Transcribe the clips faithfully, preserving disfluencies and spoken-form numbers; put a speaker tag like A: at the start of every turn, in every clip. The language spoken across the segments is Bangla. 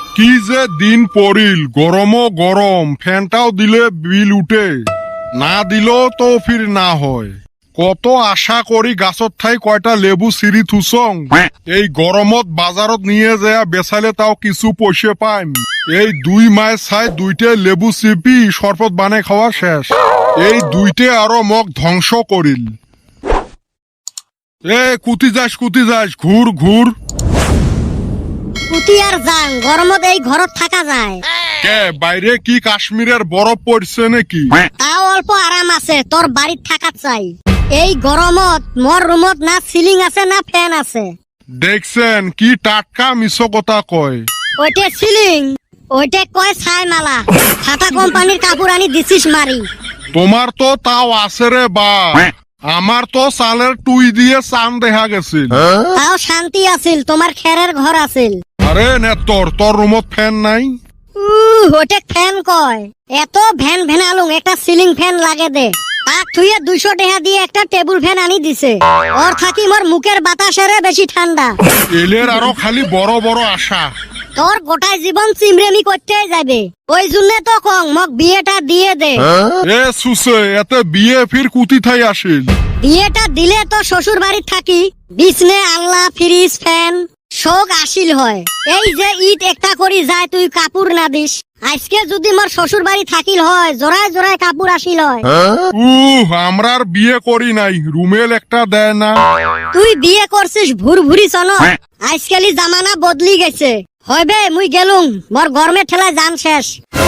A: কি যে দিন পড়িল, গরমও গরম, ফ্যানটাও দিলে বিল উঠে, না দিলেও তো ফির না হয়। কত আশা করি গাছত ঠাই কয়টা লেবু সিঁড়ি থুসং, এই গরমত বাজারত নিয়ে যায় বেচালে তাও কিছু পয়সা পাইম। এই দুই মাস ছাই দুইটে লেবু চিপি শরবত বানাই খাওয়া শেষ। এই দুইটে আরো মগ ধ্বংস করিল। এ কুতি যাস কুতি যাস, ঘুর ঘুর।
B: কুতি আর যাং, গরমত এই ঘরত থাকা যায়।
A: কে বাইরে কি কাশ্মীরের বরফ পড়ছে নাকি?
B: তাও অল্প আরাম আছে, তোর বাড়িত থাকা চাই। এই গরমত মোর রুমত না সিলিং আছে না ফ্যান আছে।
A: দেখছেন কি টাটকা মিছো কথা কয়।
B: ওইটে সিলিং, ওইটে কয় ছাই মালা। টাটা কোম্পানির কাপড় আনি দিছিস মারি।
A: তোমার তো তাও আছে রে বা, আমার তো চালের টুই দিয়ে চান দেখা গেছিল।
B: তাও শান্তি আছিল, তোমার খেরের ঘর আছিল।
A: আরে নেতর, তোর রুমত ফ্যান নাই?
B: উহ, ওইটে ফ্যান কয়। এত ভ্যান ভ্যানালুং, একটা সিলিং ফ্যান লাগে দে। তাক থুয়ে দুইশো টাকা দিয়ে একটা টেবিল ফ্যান আনি দিছে। ওর থাকি মোর মুখের বাতাসেরে বেশি ঠান্ডা।
A: এলের আরো খালি বড় বড় আশা।
B: তোর গোটাই জীবন চিমরেমি করতেই যাবে। ওই জন্য তো কং মক বিয়েটা দিয়ে দে।
A: এ সুসে, এতে বিয়ে ফির কুতি থাই আসিল।
B: বিয়েটা দিলে তো শ্বশুর বাড়ি থাকি বিছনে আল্লাহ ফ্রিজ ফ্যান শোক আসিল হয়। এই যে ঈদ একটা করি যায় তুই কাপড় না দিস। আজকে যদি মোর শ্বশুর বাড়ি থাকিল হয়, জোড়ায় জোড়ায় কাপড় আসিল হয়।
A: উহ, আমরার বিয়ে করি নাই, রুমেল একটা দেয় না।
B: তুই বিয়ে করছিস ভুর ভুরি চন। আজকালি জামানা বদলি গেছে। হইবে মুই গেলুম, মোর গরমে ঠেলায় জান শেষ।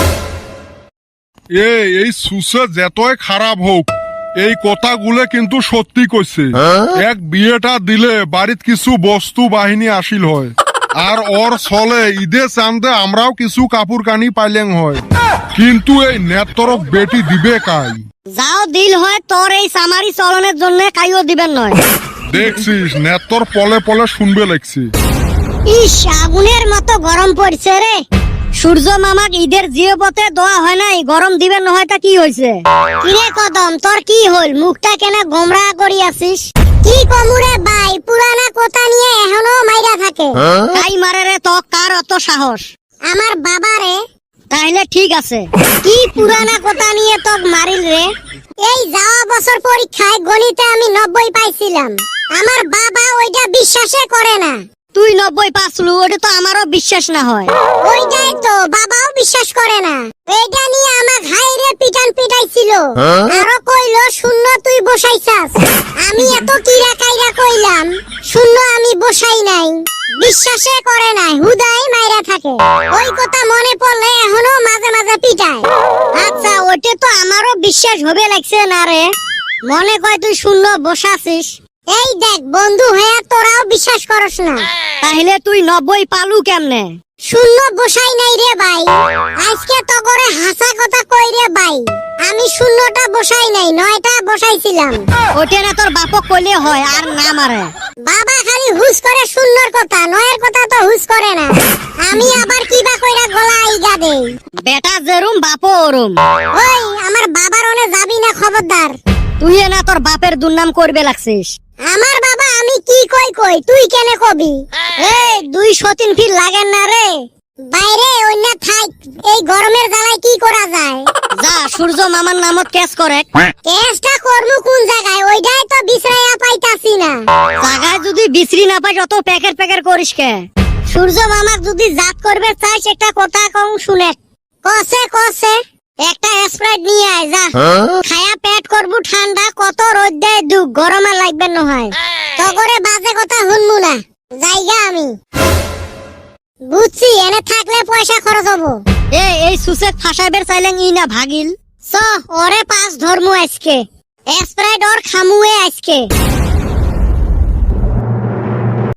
A: এ এই সুসে যতই খারাপ হোক, এই কথাগুলো কিন্তু সত্যি কইছে। এক বিয়েটা দিলে বাড়িত কিছু বস্তু বাহিনী আসিল হয়, আর ওর চলে ঈদে চান্দে আমরাও কিছু কাপড় কানি পাইলেন হয়। কিন্তু এই নেতরক বেটি দিবে কাই?
B: যাও দিল হয়, তোর এই সামারি চলনের জন্য কাইও দিবেন নয়।
A: দেখছিস নেতর পলে পলে শুনবে লাগছে।
B: ইস, আগুনের মতো গরম পড়ছে রে। সূর্য মামাক ঈদের জিওপথে দোয়া হয় নাই, গরম দিবেন নহয় তা কি হইছে? কিরে কদম, তোর কি হল? মুখটা কেন গোমরা করি আছিস? কি কমুরে ভাই, পুরানা কথা নিয়ে এখনো মাইরা থাকে। তাই মারে রে, তো কার অত সাহস? আমার বাবারে। তাইলে ঠিক আছে, কি পুরানা কথা নিয়ে তোক মারিল রে? এই যাওয়া বছর পরীক্ষায় গণিতে আমি নব্বই পাইছিলাম। আমার বাবা ওইটা বিশ্বাসে করে না। তুই নব্বই পাসলু, ওটা তো আমারও বিশ্বাস না হয়। ওইটাই তো বাবাও বিশ্বাস করে না। এইটা নিয়ে আমার ঘাইরে পিটান পিটাইছিল। আরো কইলো শূন্য তুই বসাইছাস। আমি এত কিরা কাইরা কইলাম শূন্য আমি বসাই নাই। বিশ্বাসে করে না, হুদাই মাইরা থাকে। ওই কথা মনে পড়লে এখনো মাঝে মাঝে পিটায়। আচ্ছা, ওইটা তো আমারও বিশ্বাস হবে লাগছে না রে। মনে কয় তুই শূন্য বসাছিস। এই দেখ বন্ধু হয়ে তোরাও বিশ্বাস করস না, তাহলে তুই নব্বই পালু কেমনে? শূন্য বসাই নাই রে ভাই, আজকে তো করে হাসা কথা কই রে ভাই। আমি শূন্যটা বসাই নাই, নয়টা বসাইছিলাম। ওটা না তোর বাপক কইলে হয়, আর না মারে। বাবা খালি হুস করে শূন্যর কথা, নয়ের কথা তো হুস করে না। আমি আবার কিবা কইরা গলা আইগা দেই। বেটা যেরুম বাপও ওরুম। ওই আমার বাবার ওনে যাবি না, খবরদার। তুই না তোর বাপের দুর্নাম করবে লাগছিস। আমার বাবা আমি কি কই কই, তুই কেনে কবি? এই দুই সতিন ফির লাগেন না রে। বাইরে অন্য থাক, এই গরমের জ্বালায় কি করা যায়? যা সূর্য মামার নামত কেস করে। কেসটা করমু কোন জায়গায়? ওইটাই তো বিছরাইয়া পাইতাছি না। জায়গায় যদি বিছরি না পাই অত প্যাকেট প্যাকেট করিস কে? সূর্য মামাক যদি জাত করবে চাইস, একটা কথা কম শুনে। কসে কসে একটা স্প্রাইট নিয়ে আয় যা। খায়া পেট করবু ঠান্ডা, কত রোদ দেয় দুঃখ, গরমে লাগবে নহয়। তো করে বাজে কথা শুনবো না, জায়গা আমি বুঝছি। এনে থাকলে পয়সা খরচ হবো। এ এই সুসেক ফাঁসাইবের চাইলেন ই না ভাগিল। চ ওরে পাঁচ ধর্মু আজকে, স্প্রাইট ওর খামুয়ে আজকে।